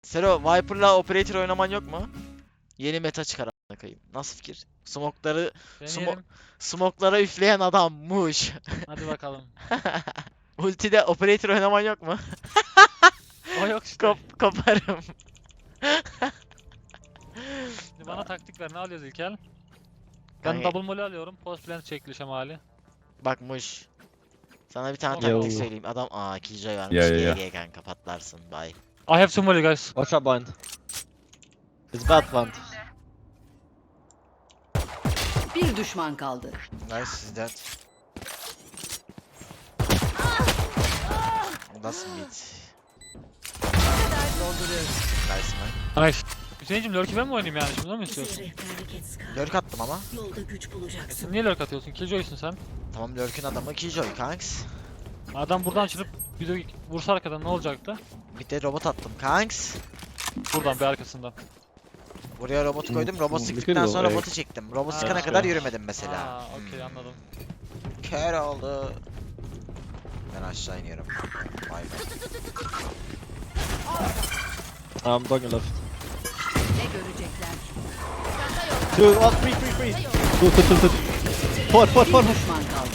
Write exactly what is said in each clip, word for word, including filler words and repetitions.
Sero, Viper'la Operator oynaman yok mu? Yeni meta çıkar a**ına koyayım. Nasıl fikir? Smokları smo Deneyelim. smoklara üfleyen adammış. Hadi bakalım. Ultide Operator oynaman yok mu? O yok işte. Kop koparım. Şimdi bana taktik ver. Ne alıyoruz İlkel? Ben Kanka, double molly alıyorum. Post plant çekli şemali. bakmış. Sana bir tane Yo. taktik söyleyeyim. Adam aa killjoy varmış. Ya, ya, ya. G G kanka patlarsın. Bye. I have two molly guys. Watch out behind. It's bad plant. Bir düşman kaldı. Nice is dead. That's mid. Nice man. Nice. Hüseyin'cim lurk'ü ben mi oynayayım yani şimdi, onu mu istiyorsun? Lurk attım ama. Yolda güç E bulacaksın. sen niye lurk atıyorsun? Killjoy'sun sen. Tamam Lurk'ün adamı killjoy kanks. Adam buradan çıkıp bir de vursa arkadan ne olacaktı? Bir de robot attım kanks. Buradan bir arkasından. Buraya robotu koydum. Robot Hmm, sıktıktan bir sonra kere o, robotu çektim. Robot Ha, sıkana işte. kadar yürümedim mesela. Aa, okey Hmm. anladım. Kör oldu. Ben aşağı iniyorum. Vay be. I'm going left. Ne görecekler? Two, one, three, three, three. Two, two, two, two. Four, four, four. Bir düşman kaldı.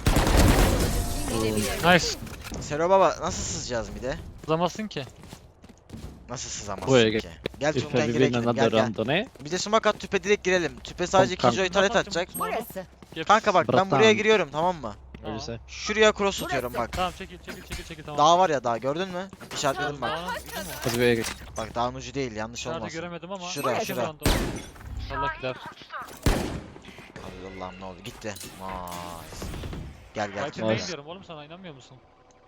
Nice. Sero baba nasıl sızacağız bir de? Uzamazsın ki. Nasıl sızamazsın Buraya ki? Gel If tüpten we girelim win gel another gel. round, ne? Bir de smoke at tüpe direkt girelim. Tüpe sadece Kanka. killjoy taret atacak. Burası. Yap. Kanka bak ben Bırak buraya tamam. giriyorum tamam mı? What do you say? Şuraya cross atıyorum bak. Tamam çekil çekil çekil çekil tamam. Dağ var ya dağ gördün mü? İşaretledim bak. Dağın ucu mu? Hadi we Bak dağın ucu değil yanlış Nerede olmasın. göremedim ama. Şuraya, Bakayım şuraya. round'a. Allah gider. Allah'ım ne oldu gitti. Nice. Gel gel. Viper Nice. main diyorum oğlum, sana inanmıyor musun?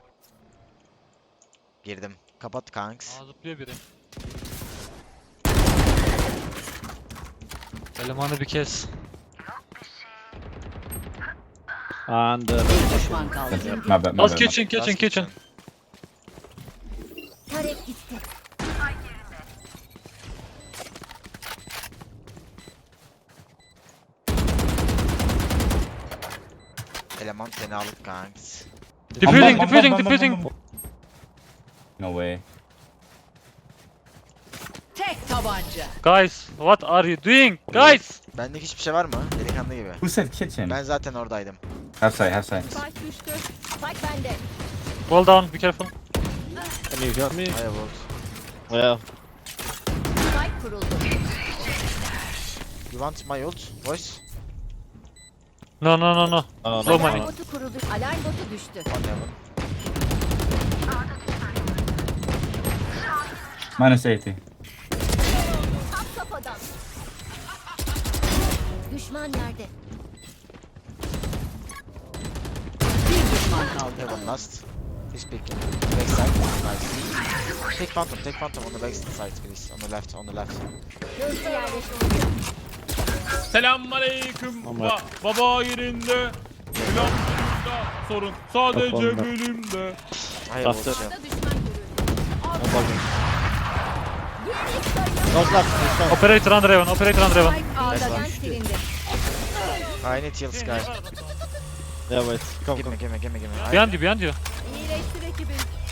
Girdim. Kapat kanks. Aa zıplıyor biri. Elemanı bir kez. And uh, Bir düşman kaldı. My bad, my Last bad. kitchen kitchen Last kitchen. Tarek gitti. Eleman seni alıp kanks. Diffusing Bam, bam, diffusing bam, bam, bam, diffusing. bam. No way. Tek tabanca. Guys what are you doing? Guys. Benlik hiçbir şey var mı? Delikanlı gibi. Who said kitchen? Ben zaten oradaydım. Half side, half side. Spike düştü. Spike bende. Fall down, be careful. can you hear me? Hayır vurdu. Yeah. Spike kuruldu. You want my ult? Voice? No no no no. Oh, No no, money. no. Botu kuruldu. Alarm botu düştü. On heaven. Minus eighty. Kafadan. Düşman nerede? Bir düşman kaldı. Heaven last. He's picking. Backside. Nice. Take phantom, take phantom on the backside please. On the left, on the left. Hızlı yerleştiriliyor. Selamünaleyküm. Ama- Ba baba yerinde. Selam yerinde. Sorun sadece Kafamda. bölümde. Hayır Bastı. vurdu. Düşman görüldü. I'm bugging. Don't left, he's down. Operator under heaven, operator under heaven. Spike ağdadan silindi. I need heal Sky. Yeah, wait. Come, Give me, come. give me, give me, give me. I- Behind you, behind you. İyileştir ekibim.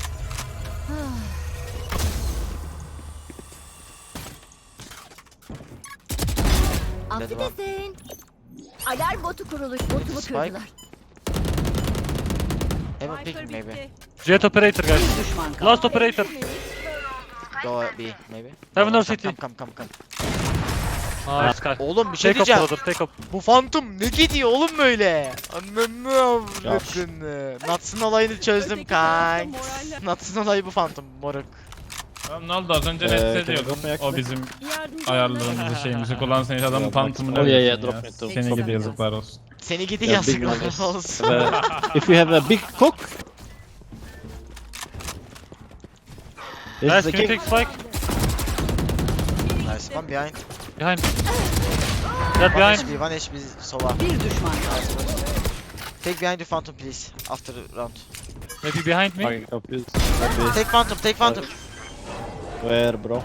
Dedim ha. Affedersin. Alarm botu kuruluş. Botumu Spike. kırdılar. Heaven picking maybe. Jet operator guys. Bir düşman kaldı. Last operator. Go B maybe. Heaven Come, or city. Come, come, come, come. Nice guy. Oğlum bir şey Take up diyeceğim. brother, take up. Bu Phantom ne gidiyor oğlum böyle? Ananı avradını. Nats'ın olayını çözdüm kanks. Nats'ın olayı bu Phantom moruk. Tamam, ne oldu az önce Ee, nefret can you ediyordum. drop me O actually? bizim ayarlarımızı şeyimizi kullansın hiç adamın Yeah, tanıtımını oh, yeah, yeah, öğretsin drop ya. me too. Seni gidi yazıklar olsun. Seni gidi Yeah, big yazıklar numbers. olsun. Uh, if we have a big cook. This Guys is the can you king. take spike? Nice one behind. Behind. Jet One behind. H P, one H P sova. Bir düşman kaldı. Take behind the Phantom please. After round. Maybe behind me. Fucking confused. Maybe. Take Phantom, take Phantom. Where, bro?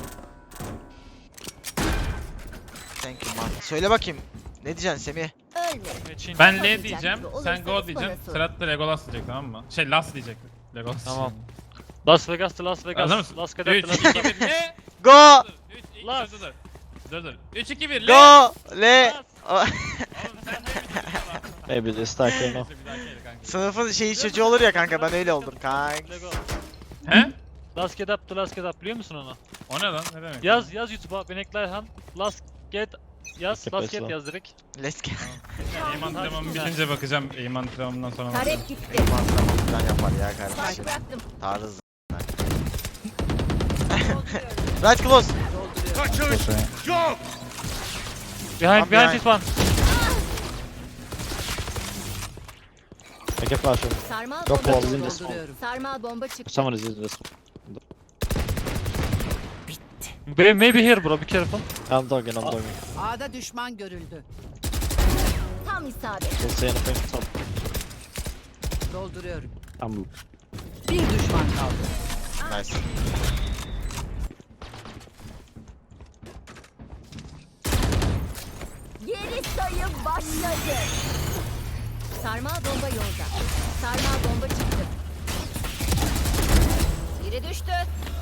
Thank you man. Söyle bakayım. Ne diyeceksin Semih? Machine. Ben Olacak L diyeceğim, gibi sen olursanız Go diyeceksin. bana sorun. Serhat da Legolas diyecek tamam mı? Şey Las diyecek. Legolas. Tamam. Las Vegas to Las Hazır Vegas. mısın? Las Vegas üç, to Las iki, Vegas. bir, ne? Go. üç, iki, Lan. dur dur. Dur dur. üç iki bir. Go. Le. Oğlum sen de bir Maybe they stack here now. Bir dahaki el kanka. Sınıfın şeyi çocuğu olur ya kanka, ben öyle oldum kanka. Lego. He? Last get up the last get up biliyor musun onu? O ne lan? Ne demek? Yaz yaz YouTube'a Beneklerhan last get yaz Okey, last get pes yaz direkt. Let's go. Eğman antrenmanı bitince bakacağım. Eğman antrenmanından sonra bakacağım. Taret gitti. Mantıklı falan yapar ya Spike kardeşim. bıraktım. Tarzı. Right close. Close A. Behind One behind behind. this one. I can flash him. Sarmal Yok, bomba wall in çıktı. this Sarmal bomba çıktı. Someone is using this. Be- Maybe here bro, be careful. I'm dogging, I'm dogging. A'da düşman görüldü. Tam isabet. Don't say anything. Top. Dolduruyorum. I'm Bir düşman kaldı. Nice. Geri sayım başladı. Sarmal bomba yolda. Sarmal bomba çıktı. Biri düştü.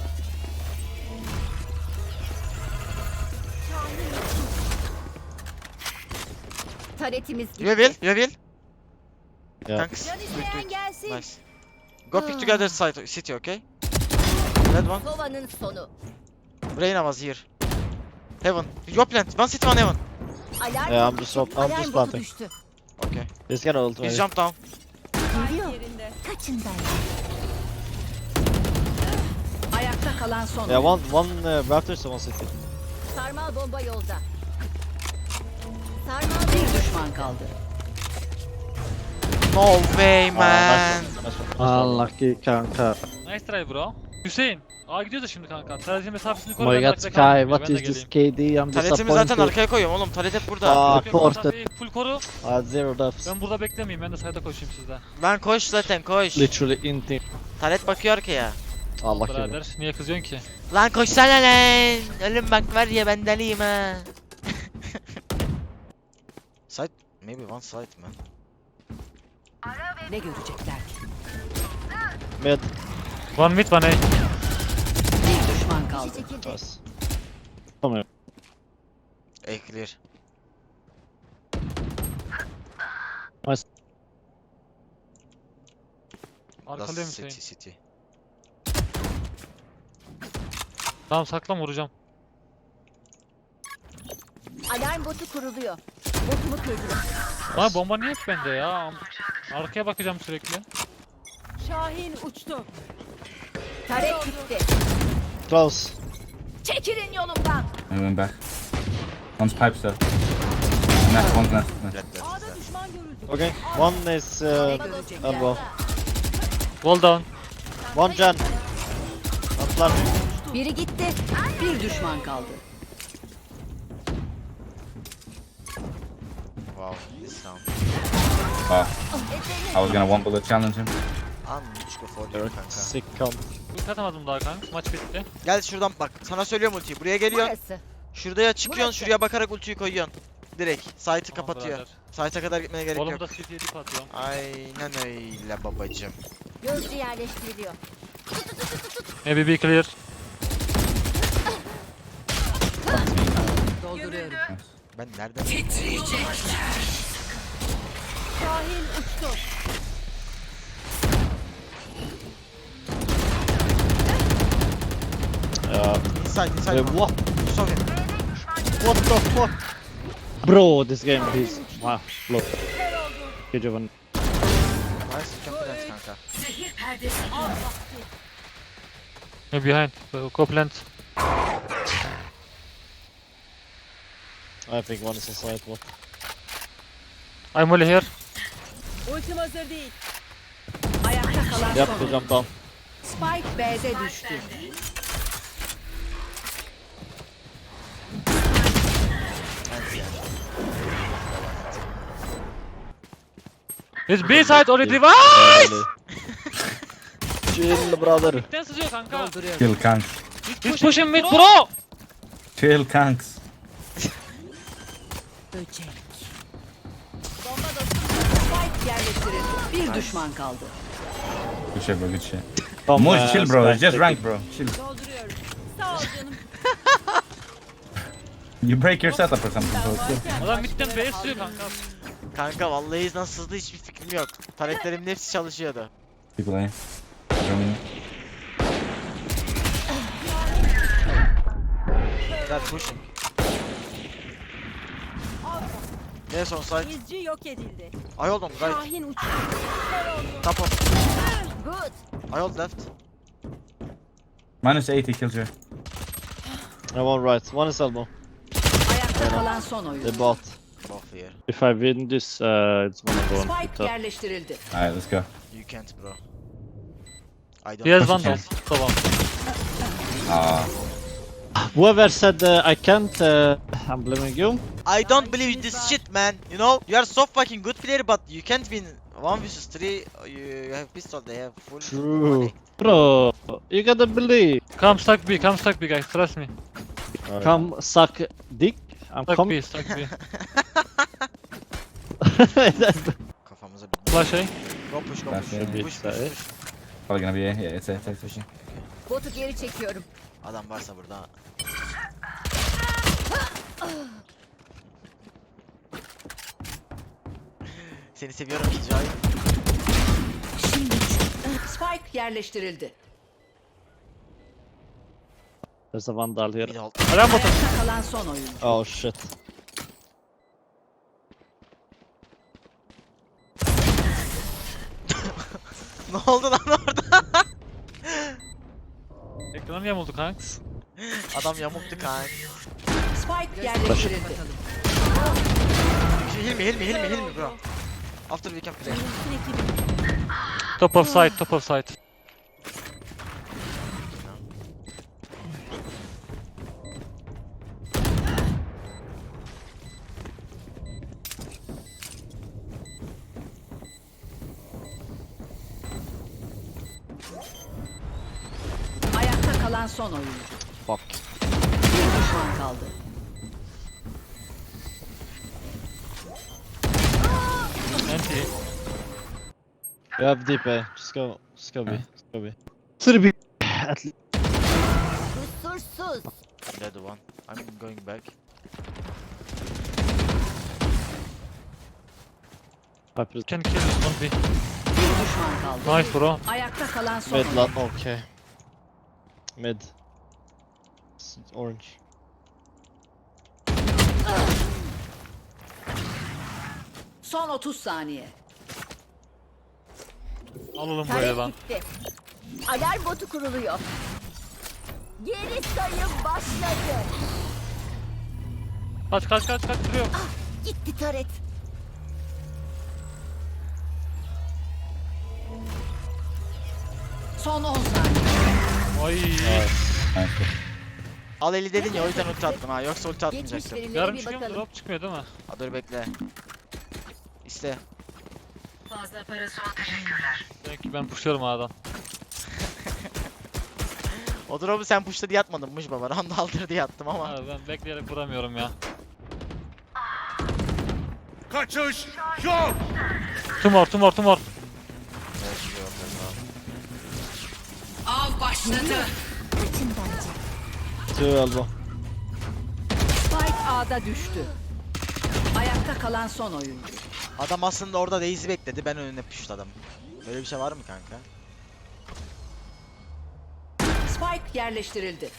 Taretimiz gitti. You will, you will. Yeah. Thanks. Can Good, isteyen good. gelsin. Nice. Go pick together side city, okay? Red one. Sova'nın sonu. Reyna was here. Heaven. Your plant. One city, one heaven. Alarm Yeah, I'm botu just çıktı. up- I'm Alarm just botu planting. düştü. Okay. He's gonna ult Please maybe. jump down. Geliyor. Kaçın benden. Ayakta kalan son. Yeah, one, one uh, Raptor, someone city. Sarmal bomba yolda. Sarmal Bir bomba. düşman kaldı. No way, Ah, man. nice one, nice one. Unlucky kanka. Nice try bro. Hüseyin. Aa gidiyoruz da şimdi kanka. Tercih mesafesini koru. Oh my ben de god arkada Sky, kalmayayım ya, what ben de is this geleyim. K D? I'm Taletimi zaten disappointed. arkaya koyuyorum oğlum. Talet hep burada. Ah, Yok, yok, ported. mesafeyi full koru. I had zero deaths. Ben burada beklemeyeyim. Ben de side'a koşayım sizde. Lan koş zaten koş. Literally in team. Talet bakıyor arkaya. Allah kim. Birader niye kızıyorsun ki? Lan koşsana lan. Ölüm bak var ya, ben deliyim ha. Side? Maybe one side man. Ne görecekler ki? Mid. One mid one A. Bir düşman kaldı. Kişi çekildi. Nice. Come here. A clear. Arkalıyor Last Hüseyin. city city. Tamam saklan, vuracağım. Alarm botu kuruluyor. Botumu kırdılar. Lan bomba niye hep bende ya? Arkaya bakacağım sürekli. Şahin uçtu. Taret gitti. Close. Çekilin yolumdan. I went back. One's pipes though. And that one's left. left. Red left. A'da düşman görüldü. Okay, one is uh, Bomba dostum elbow. yolda. Wall down. One gen. One planting. Biri gitti. Bir düşman kaldı. Wow, this sound. Oh, I was gonna one bullet challenge him. An üç go for you kanka. Sick count. Ulti atamadım daha kanka. Maç bitti. Gel şuradan bak. Sana söylüyorum ultiyi. Buraya geliyorsun. Burası. Şuraya çıkıyorsun. Burası. Şuraya bakarak ultiyi koyuyorsun. Direkt. Site'ı Tamam kapatıyor. birader. Site'a kadar gitmeye gerek Oğlum yok. da C T'ye dip atıyorum. Aynen öyle babacım. Gözcü yerleştiriliyor. Maybe be clear. Dolduruyorum. Ben nereden? Şahin uçtu. Yeah. Inside, inside. Wait, what? Saw him. What the fuck? Bro, this game is... Ah, look. Good job. Nice, confidence kanka. Maybe behind. Uh, Go plant. I think one is inside. What? I'm only here. Ultim hazır değil. Ayakta kalan Yep, son. he jumped down. Spike B'de düştü. It's B side already. Yeah. Vay! Chill brother. Mid'den sızıyor kanka. Dolduruyorum. Chill kanks. Mid pushing mid bro. Chill kanks. Böcek. Bomba dostum. Spike yerleştirildi. Bir düşman kaldı. Good shit bro, good shit. Come, Moose, uh, chill bro, Sky, it's just take rank it. bro. Chill. Dolduruyorum. Sağ ol You break your setup or something. So it's good. Adam midden B S diyor kanka. Kanka vallahi nasıl hızlı hiçbir fikrim yok. Taretlerimin hepsi çalışıyordu. People A. Germany. They're pushing. Yes on site. İzci yok edildi. I hold on right. Şahin uçtu. Top on. Good. I hold left. Minus eighty kills you. And one right. One is elbow. Ayakta kalan son oyuncu. They bought. Both here. If I win this, uh, it's gonna go on Spike top. yerleştirildi. Alright, let's go. You can't bro. I don't. He has one Okay. top. Tamam. Ah. Whoever said uh, I can't, uh, I'm blaming you. I don't believe this shit, man. You know, you are so fucking good player, but you can't win one versus three. You, you have pistol, they have full. True. money. Bro, you gotta believe. Come stack B, come stack B guys, trust me. Come suck dick. I'm Stack coming. B, stack B. Kafamıza bir. Flash A. Go push, go Flash push. A. Push, push, push, push. Probably gonna be A. Yeah, it's A. It's A. It's A. Botu geri çekiyorum. Adam varsa burada. Seni seviyorum Kicay. Spike yerleştirildi. There's a vandal here. Bir de hold. Alarm bottom. Ayakta kalan son oyuncu. Oh shit. Ne oldu lan orada? Ekranım yamuldu kanka. Adam yamuktu kanka. Spike yerleştirildi. Hilmi, Hilmi, Hilmi, Hilmi bro. After we can play. Top of site, top of site. Ayakta kalan son oyuncu. Fuck. Bir düşman kaldı. Anti. You have deep A. Just go. Just go B. Just go B. Should be at least. Kusursuz. Dead one. I'm going back. Piper. Can kill this one B. Bir düşman kaldı. Nice bro. Ayakta kalan son Mid oyuncu. lot. Okay. Mid. It's orange. Son otuz saniye. Alalım buraya Taret lan. gitti. Alarm botu kuruluyor. Geri sayım başladı. Kaç kaç kaç kaç duruyor. Gitti taret. Son on saniye. Ay. Nice. Al eli dedin ya o yüzden ulti attım ha. Yoksa ulti Geçmiş atmayacaktım. verilere Yarım bir çıkıyor mu? bakalım. Drop çıkmıyor değil mi? Ha dur bekle. İste. Belki ben pushluyorum A'dan. O drop'u sen push'ta diye atmadınmış baba. Round aldır diye attım ama. Abi ben bekleyerek vuramıyorum ya. Kaçış yok. Tumor tumor tumor. Av başladı. Kaçın bence. Two elbow. Spike A'da düştü. Ayakta kalan son oyuncu. Adam aslında orada Daisy bekledi. Ben önüne pushladım. Böyle bir şey var mı kanka? Spike yerleştirildi.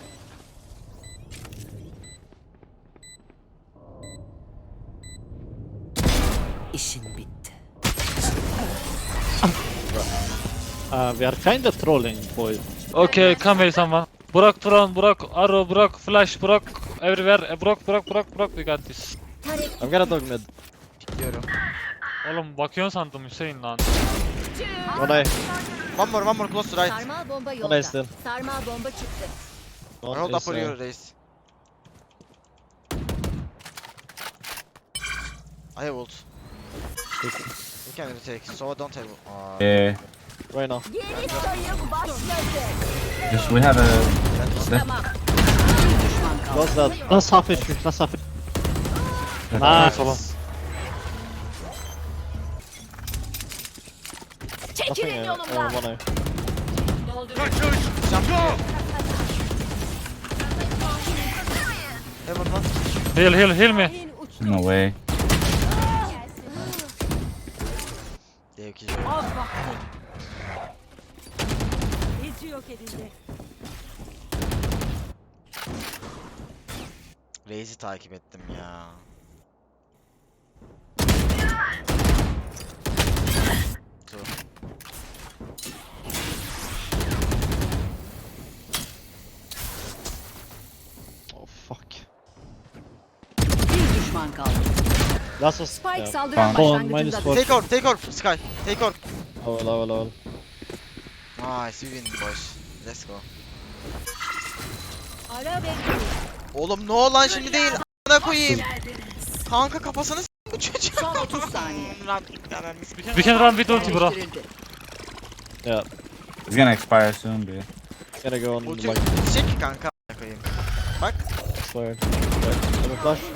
İşin bitti. Uh, we are kinda trolling, boys. Okay, come here someone. Burak Turan, Burak Arrow, Burak Flash, Burak everywhere. E, Burak Burak Burak Burak we got this. Taret I'm gonna dog mid. Pikliyorum. Oğlum bakıyorsun sandım Hüseyin lan. One A. One more, one more close to right. sarmal bomba One A yolda. still. Sarmal bomba çıktı. I One hold is, up for uh, you Reis. I have ult. You can retake. So I don't have. Aa, Yeah. right now. Geri sayım başladı. Just we have a. Step. Tamam. Bir düşman kaldı. What's that? That's half H P. That's half H P. Nice oğlum. Nothing Çekilin A. yolumdan. Uh, one A. Kaçış yok. Heaven lan. Heal heal heal me. Kahin uçtu. No way. Devki. Az vakti. İzci yok edildi. Reis'i takip ettim ya. Dur. Oh fuck. Bir düşman kaldı. Last was... Spike Yeah. saldıran Tamam. On, minus başlangıcında four. Take orb, take orb, Sky. Take orb. Level, level, level. Nice, we win boys. Let's go. Ara ve Oğlum no lan şimdi değil. A**ına koyayım. Kanka kafasını s*** bu çocuk. son otuz saniye. We can run with ulti bro. Yerleştirildi. Yeah. It's gonna expire soon, dude. Gotta go on Ulti like çek kanka a**ına koyayım. Bak. expired. Yeah. Have a flash.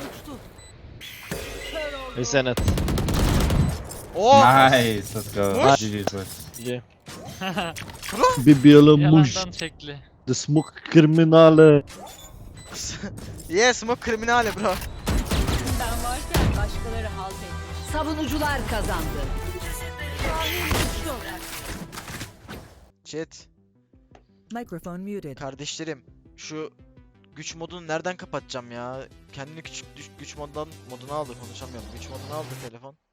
He's in it. Oh. Nice, let's go. Push. G G's, boys. Yeah. Bir yalanmış. Yalandan şekli. The smoke kriminali. Yeah, smoke kriminali bro. ben varken başkaları halt etmiş. Savunucular kazandı. Kahin uçtu. Chat. Microphone muted. Kardeşlerim şu güç modunu nereden kapatacağım ya? Kendini küçük düş- güç moddan moduna aldı konuşamıyorum. Güç moduna aldı telefon.